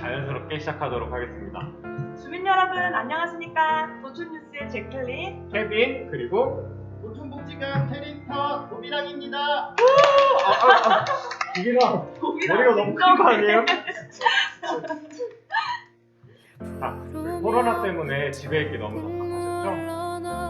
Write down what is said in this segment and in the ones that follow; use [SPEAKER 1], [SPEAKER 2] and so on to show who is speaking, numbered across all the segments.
[SPEAKER 1] 자연스럽게 시작하도록 하겠습니다.
[SPEAKER 2] 주민 여러분 안녕하십니까? 도촌뉴스의 제클린,
[SPEAKER 1] 케빈, 그리고
[SPEAKER 3] 도촌복지관 캐릭터 도비랑입니다.
[SPEAKER 1] 비기랑
[SPEAKER 2] 도비랑
[SPEAKER 1] 머리가 너무 큰 거 아니에요? 코로나 때문에 집에 있기 너무 답답하셨죠?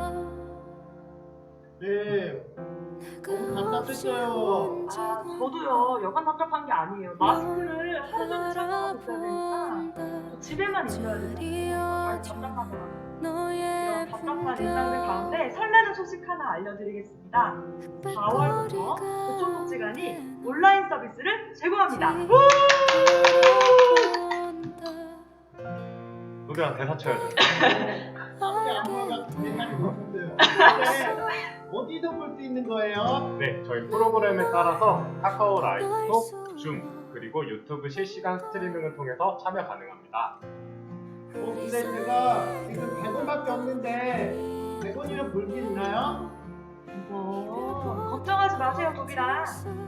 [SPEAKER 3] 네, 너무 답답했어요.
[SPEAKER 2] 저도요. 여간 답답한 게 아니에요. 마스크를 하루 종일 착용하고 있어야 되니까 집에만 있어야 되니까 답답하더라고요. 이런 답답한 일상들 가운데 설레는 소식 하나 알려드리겠습니다. 4월부터 도촌복지관이 온라인 서비스를 제공합니다.
[SPEAKER 1] 노래랑 대사 쳐야죠.
[SPEAKER 3] 우리 아무가 대사를 못했어요. 근데 어디서 볼 수 있는 거예요?
[SPEAKER 1] 네, 저희 프로그램에 따라서 카카오 라이브톡, 줌, 그리고 유튜브 실시간 스트리밍을 통해서 참여 가능합니다.
[SPEAKER 3] 근데 제가 지금 100원밖에 없는데 100원이면 볼 수 있나요?
[SPEAKER 2] 걱정하지 마세요, 도비랑.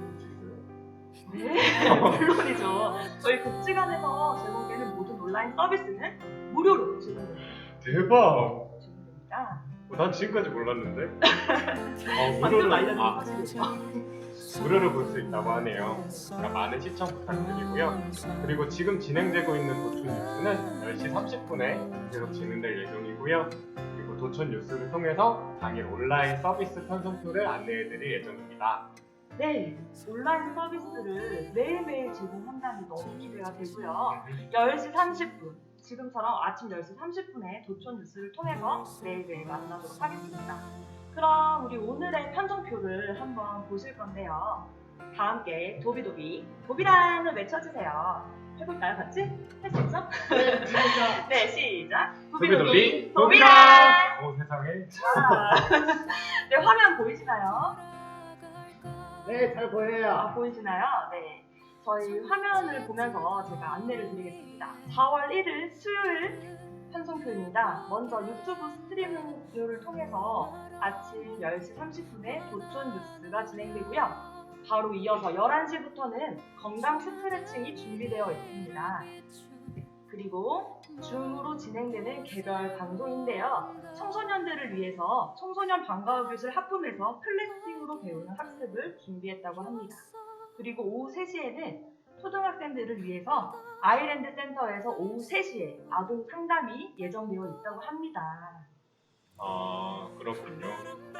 [SPEAKER 2] 네, 물론이죠. 저희 복지관에서 제공되는 모든 온라인 서비스는 무료로 제공됩니다.
[SPEAKER 1] 대박! 난 지금까지 몰랐는데.
[SPEAKER 2] 방금 알려드린 사실이죠.
[SPEAKER 1] 무료로 볼 수 있다고 하네요. 그러니까 많은 시청 부탁드리고요. 그리고 지금 진행되고 있는 도촌 뉴스는 10시 30분에 계속 진행될 예정이고요. 그리고 도촌 뉴스를 통해서 당일 온라인 서비스 편성표를 안내해드릴 예정입니다.
[SPEAKER 2] 네, 온라인 서비스를 매일매일 제공한다니 너무 기대가 되고요. 10시 30분, 지금처럼 아침 10시 30분에 도촌 뉴스를 통해서 매일매일 만나도록 하겠습니다. 그럼 우리 오늘의 편성표를 한번 보실 건데요. 다 함께 도비도비, 도비랑을 외쳐주세요. 해볼까요, 같이? 할 수 있죠?
[SPEAKER 3] 네, 진짜.
[SPEAKER 2] 네, 시작!
[SPEAKER 1] 도비도비,
[SPEAKER 2] 도비랑!
[SPEAKER 1] 오 세상에.
[SPEAKER 2] 네, 화면 보이시나요?
[SPEAKER 3] 네, 잘 보여요.
[SPEAKER 2] 보이시나요? 네. 저희 화면을 보면서 제가 안내를 드리겠습니다. 4월 1일 수요일 편성표입니다. 먼저 유튜브 스트리밍을 통해서 아침 10시 30분에 도촌 뉴스가 진행되고요. 바로 이어서 11시부터는 건강 스트레칭이 준비되어 있습니다. 그리고 줌으로 진행되는 개별 방송인데요. 청소년들을 위해서 청소년 방과후 교실 학부에서 클래식으로 배우는 학습을 준비했다고 합니다. 그리고 오후 3시에는 초등학생들을 위해서 아이랜드 센터에서 오후 3시에 아동 상담이 예정되어 있다고 합니다.
[SPEAKER 1] 그렇군요.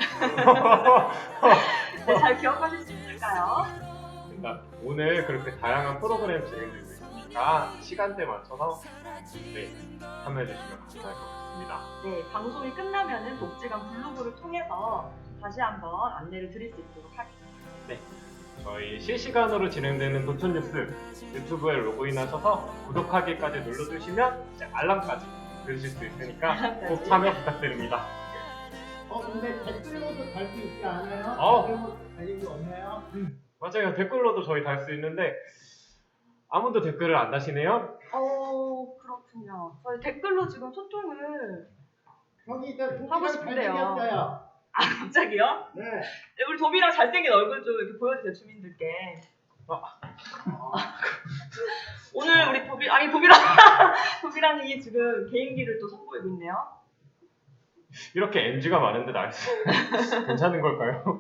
[SPEAKER 2] 네, 잘 기억하실 수 있을까요?
[SPEAKER 1] 일단 오늘 그렇게 다양한 프로그램 진행되고 있으니까 시간대 맞춰서 참여해주시면 감사할 것 같습니다.
[SPEAKER 2] 네, 방송이 끝나면은 복지관 블로그를 통해서 다시 한번 안내를 드릴 수 있도록 하겠습니다.
[SPEAKER 1] 네, 저희 실시간으로 진행되는 도촌 뉴스 유튜브에 로그인하셔서 구독하기까지 눌러주시면 이제 알람까지 들으실 수 있으니까 꼭 참여 부탁드립니다.
[SPEAKER 3] 근데 댓글로도 달 수 있지 않아요? 댓글로 달린 게 없나요?
[SPEAKER 1] 맞아요, 댓글로도 저희 달 수 있는데 아무도 댓글을 안 다시네요.
[SPEAKER 2] 그렇군요. 저희 댓글로 지금 소통을
[SPEAKER 3] 여기 이제
[SPEAKER 2] 하고
[SPEAKER 3] 도비랑
[SPEAKER 2] 싶은데요.
[SPEAKER 3] 잘생겼어요.
[SPEAKER 2] 갑자기요?
[SPEAKER 3] 네.
[SPEAKER 2] 네, 우리 도비랑 잘생긴 얼굴 좀 이렇게 보여주세요, 주민들께. 오늘 우리 도비랑이 지금 개인기를 또 선보이고 있네요.
[SPEAKER 1] 이렇게 NG가 많은데 나이스. 괜찮은 걸까요?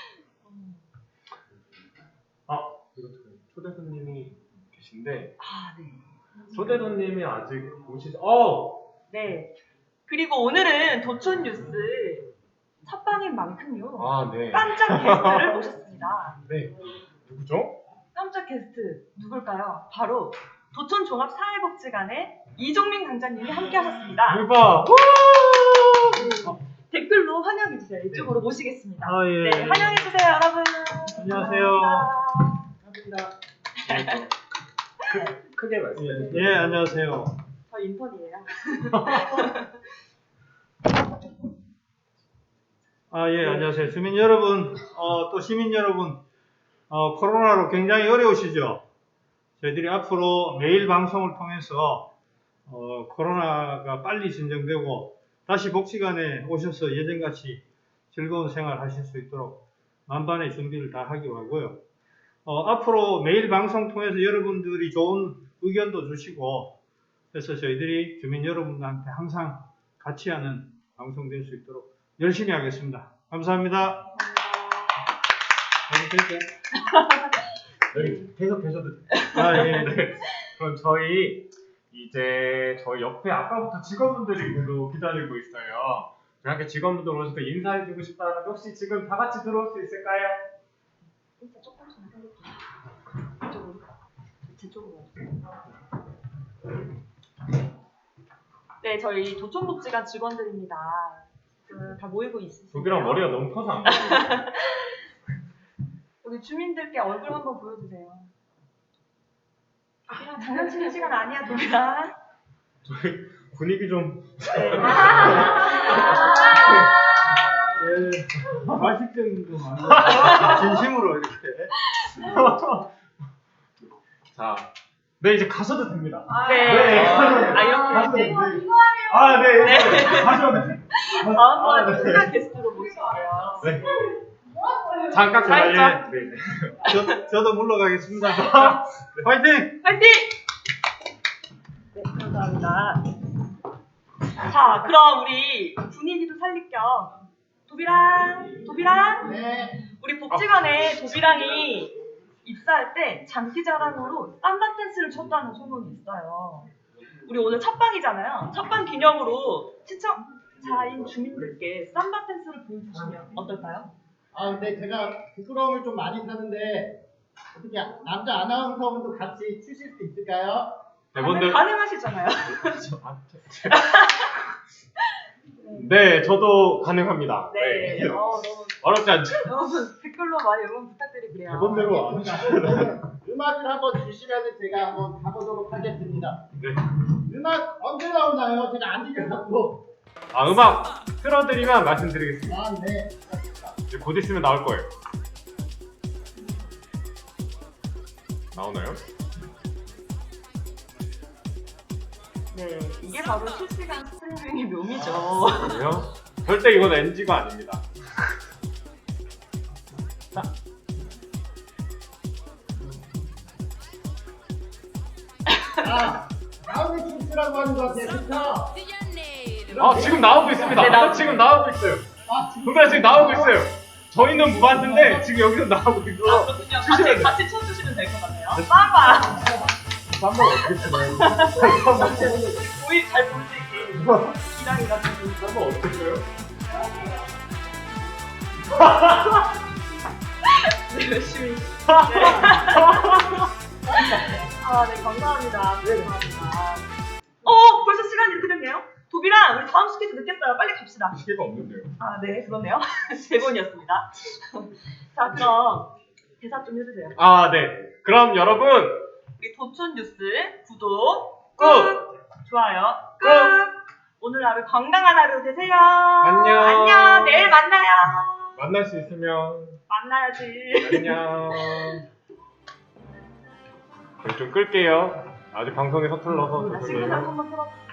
[SPEAKER 1] 초대 손님이 계신데
[SPEAKER 2] 네.
[SPEAKER 1] 초대 손님이 아직 오시지.
[SPEAKER 2] 네. 그리고 오늘은 도촌 뉴스 첫 방인 만큼요.
[SPEAKER 1] 네.
[SPEAKER 2] 깜짝 게스트를 모셨습니다.
[SPEAKER 1] 네. 누구죠?
[SPEAKER 2] 깜짝 게스트 누굴까요? 바로 도촌 종합사회복지관의 이종민 강장님이 함께하셨습니다.
[SPEAKER 1] 대박.
[SPEAKER 2] 댓글로 환영해주세요. 이쪽으로 모시겠습니다.
[SPEAKER 4] 예.
[SPEAKER 2] 네, 환영해주세요, 여러분.
[SPEAKER 4] 안녕하세요.
[SPEAKER 2] 감사합니다.
[SPEAKER 1] 크게 말씀해 주세요.
[SPEAKER 4] 예, 안녕하세요.
[SPEAKER 2] 저 인턴이에요.
[SPEAKER 4] 예, 안녕하세요. 주민 여러분, 또 시민 여러분, 코로나로 굉장히 어려우시죠? 저희들이 앞으로 매일 방송을 통해서, 코로나가 빨리 진정되고, 다시 복지관에 오셔서 예전같이 즐거운 생활 하실 수 있도록 만반의 준비를 다 하기로 하고요. 앞으로 매일 방송 통해서 여러분들이 좋은 의견도 주시고 그래서 저희들이 주민 여러분들한테 항상 같이 하는 방송 될 수 있도록 열심히 하겠습니다. 감사합니다.
[SPEAKER 1] 여기 계속 계셔도 돼요.
[SPEAKER 4] 아, 예.
[SPEAKER 1] 네. 그럼 저희 이제 저희 옆에 아까부터 직원분들이 모두 기다리고 있어요. 저희 함께 직원분들 오셔서 인사해주고 싶다는데 혹시 지금 다 같이 들어올 수 있을까요?
[SPEAKER 2] 진짜 조금씩 해볼게요. 이쪽으로. 제 쪽으로. 네, 저희 도촌복지관 직원들입니다. 다 모이고 있으시죠?
[SPEAKER 1] 독이랑 머리가 너무 커서 안 보여요.
[SPEAKER 2] 우리 주민들께 얼굴 한번 보여주세요. 도비랑 장난치는 시간 아니야, 도비랑.
[SPEAKER 1] 저희 분위기 좀
[SPEAKER 2] 네.
[SPEAKER 4] 예, 과식증도 많아요. 진심으로 이렇게.
[SPEAKER 1] 자, 네 이제 가셔도 됩니다.
[SPEAKER 2] 네.
[SPEAKER 1] 네.
[SPEAKER 2] 이렇게. 네.
[SPEAKER 1] 아, 네.
[SPEAKER 2] 네.
[SPEAKER 1] 가셔도 돼요.
[SPEAKER 2] 다음번에
[SPEAKER 1] 네.
[SPEAKER 2] 특별 게스트로 모실게요.
[SPEAKER 1] 네. 잠깐
[SPEAKER 2] 자,
[SPEAKER 1] 기다려. 네.
[SPEAKER 4] 저도 물러가겠습니다. 화이팅!
[SPEAKER 2] 파이팅! 네, 감사합니다. 자, 그럼 우리 분위기도 살릴 겸 도비랑,
[SPEAKER 3] 네.
[SPEAKER 2] 우리 복지관에 도비랑이 입사할 때 장기자랑으로 쌈바 댄스를 췄다는 소문이 있어요. 우리 오늘 첫방이잖아요. 첫방 기념으로 시청자인 주민들께 쌈바 댄스를 보여주시면 어떨까요?
[SPEAKER 3] 아 근데 제가 부끄러움을 좀 많이 타는데 어떻게 남자 아나운서분도 같이 추실 수 있을까요?
[SPEAKER 1] 대본들
[SPEAKER 2] 가능하시잖아요.
[SPEAKER 1] 네, 저도 가능합니다.
[SPEAKER 2] 네. 너무
[SPEAKER 1] 어렵지 않죠?
[SPEAKER 2] 여러분 댓글로 많이 응원 부탁드릴게요.
[SPEAKER 1] 대본대로 안 하시죠.
[SPEAKER 3] 음악을 한번 주시면 제가 한번 가보도록 하겠습니다.
[SPEAKER 1] 네.
[SPEAKER 3] 음악 언제 나오나요? 제가 안 들려갖고.
[SPEAKER 1] 아, 음악 틀어드리면 말씀드리겠습니다.
[SPEAKER 3] 아 네.
[SPEAKER 1] 이제 곧 있으면 나올 거예요. 나오나요?
[SPEAKER 2] 네, 이게 바로 실시간 스트리밍의 묘미죠.
[SPEAKER 1] 그래요? 절대 이건 NG가 아닙니다.
[SPEAKER 3] 아 다음에 춤추라고 하는 것 같아요. 그쵸?
[SPEAKER 1] 아, 지금 나오고 있습니다.
[SPEAKER 2] 네, 나오고
[SPEAKER 1] 지금 나오고 있어요.
[SPEAKER 3] 아 지금
[SPEAKER 1] 동달 지금 나오고 있어요. 저희는 무반드인데 지금 여기서 나오고 있어.
[SPEAKER 2] 그렇군요. 같이 쳐주시면 될 것 같네요. 쌈바!
[SPEAKER 1] 한번 어떻게 치나요?
[SPEAKER 2] 보이 잘 볼 수 있게 기량이 같은
[SPEAKER 1] 한번 어떻게 쳐요?
[SPEAKER 2] 네, 열심히. 네. 네, 감사합니다. 감사합니다. 벌써 시간이 이렇게 됐네요? 도비랑, 우리 다음 스케줄 늦겠어요. 빨리 갑시다.
[SPEAKER 1] 시계가 없는데요.
[SPEAKER 2] 네, 그렇네요. 대본이었습니다. 자, 그럼 대사 좀 해주세요.
[SPEAKER 1] 아, 네. 그럼 여러분,
[SPEAKER 2] 우리 도촌 뉴스 구독
[SPEAKER 1] 꾹!
[SPEAKER 2] 좋아요
[SPEAKER 1] 꾹!
[SPEAKER 2] 오늘 하루 건강한 하루 되세요.
[SPEAKER 1] 안녕.
[SPEAKER 2] 안녕. 내일 만나요.
[SPEAKER 1] 만날 수 있으면
[SPEAKER 2] 만나야지.
[SPEAKER 1] 안녕. 저희 좀 끌게요. 아직 방송에 서툴러서
[SPEAKER 2] 친구들
[SPEAKER 1] 죄송해요.
[SPEAKER 2] 한번 틀어.